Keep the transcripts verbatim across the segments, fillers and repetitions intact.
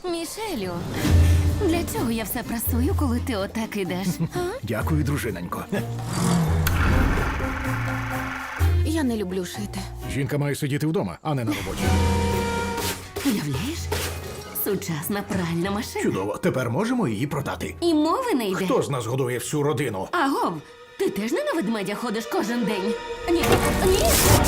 Мішелю, для чого я все прасую, коли ти отак ідеш? А? Дякую, дружинонько. Я не люблю шити. Жінка має сидіти вдома, а не на роботі. Уявляєш? Сучасна пральна машина. Чудово, тепер можемо її продати. І мови не йде. Хто з нас годує всю родину? Агов, ти теж не на ведмедя ходиш кожен день? Ні, ні.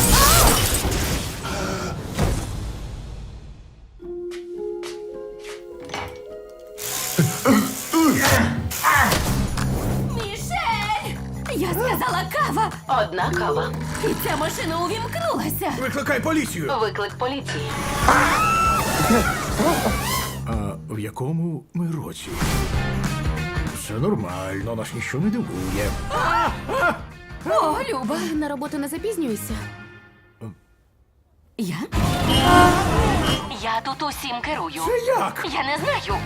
Мішель! Я сказала кава! Одна кава. І ця машина увімкнулася. Викликай поліцію! Виклик поліції. А в якому ми році? Все нормально, нас ніщо не дивує. О, Люба. На роботу не запізнюйся. Я? Я тут усім керую. Це як? Я не знаю.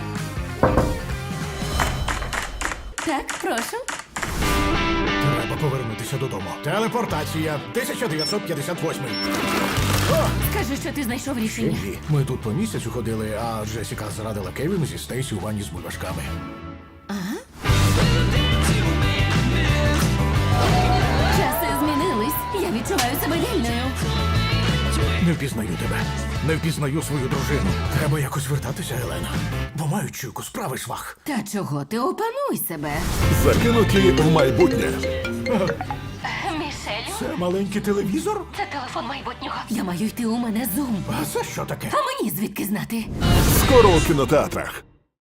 Так, прошу. Треба повернутися додому. Телепортація тисяча дев'ятсот п'ятдесят восьмий. Скажи, що ти знайшов рішення. Ні, ми тут по місяцю ходили, а Джесіка зрадила Кевіну зі Стейсі у ванні з бульбашками. Часи змінились. Я відчуваю себе вільною. Не впізнаю тебе. Не впізнаю свою дружину. Треба якось вертатися, Елена. Бо маю чуйку, справи швах. Та чого ти опануй себе? Закинуті в майбутнє. Мішелю, Це маленький телевізор? це телефон майбутнього. Я маю йти, у мене зум. А це що таке? А мені звідки знати? Скоро у кінотеатрах.